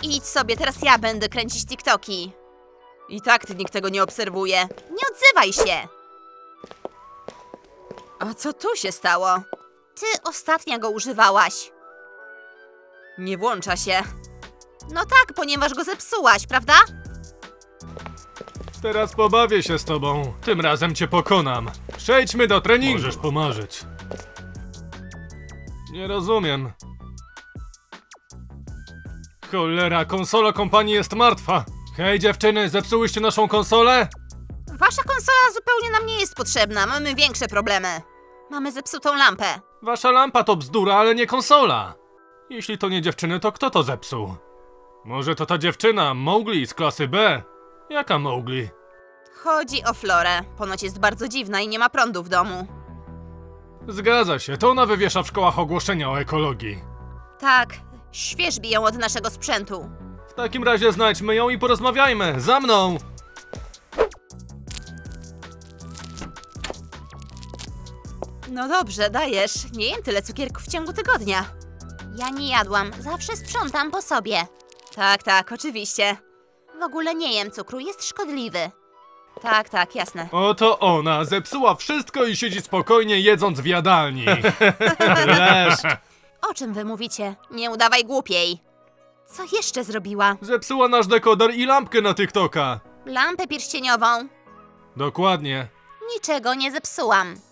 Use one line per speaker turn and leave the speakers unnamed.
Idź sobie, teraz ja będę kręcić TikToki. I tak nikt tego nie obserwuje. Nie odzywaj się! A co tu się stało? Ty ostatnio go używałaś. Nie włącza się. No tak, ponieważ go zepsułaś, prawda?
Teraz pobawię się z tobą. Tym razem cię pokonam. Przejdźmy do treningu. Możesz pomarzyć. Nie rozumiem. Cholera, konsola kompanii jest martwa. Hej dziewczyny, zepsułyście naszą konsolę?
Wasza konsola zupełnie nam nie jest potrzebna, mamy większe problemy. Mamy zepsutą lampę.
Wasza lampa to bzdura, ale nie konsola. Jeśli to nie dziewczyny, to kto to zepsuł? Może to ta dziewczyna, Mowgli z klasy B? Jaka Mowgli?
Chodzi o Florę. Ponoć jest bardzo dziwna i nie ma prądu w domu.
Zgadza się, to ona wywiesza w szkołach ogłoszenia o ekologii.
Tak, świeżbi ją od naszego sprzętu.
W takim razie znajdźmy ją i porozmawiajmy. Za mną!
No dobrze, dajesz. Nie jem tyle cukierków w ciągu tygodnia. Ja nie jadłam, zawsze sprzątam po sobie. Tak, tak, oczywiście. W ogóle nie jem cukru, jest szkodliwy. Tak, tak, jasne.
Oto ona, zepsuła wszystko i siedzi spokojnie jedząc w jadalni. Leszcz.
O czym wy mówicie? Nie udawaj głupiej. Co jeszcze zrobiła?
Zepsuła nasz dekoder i lampkę na TikToka.
Lampę pierścieniową.
Dokładnie.
Niczego nie zepsułam.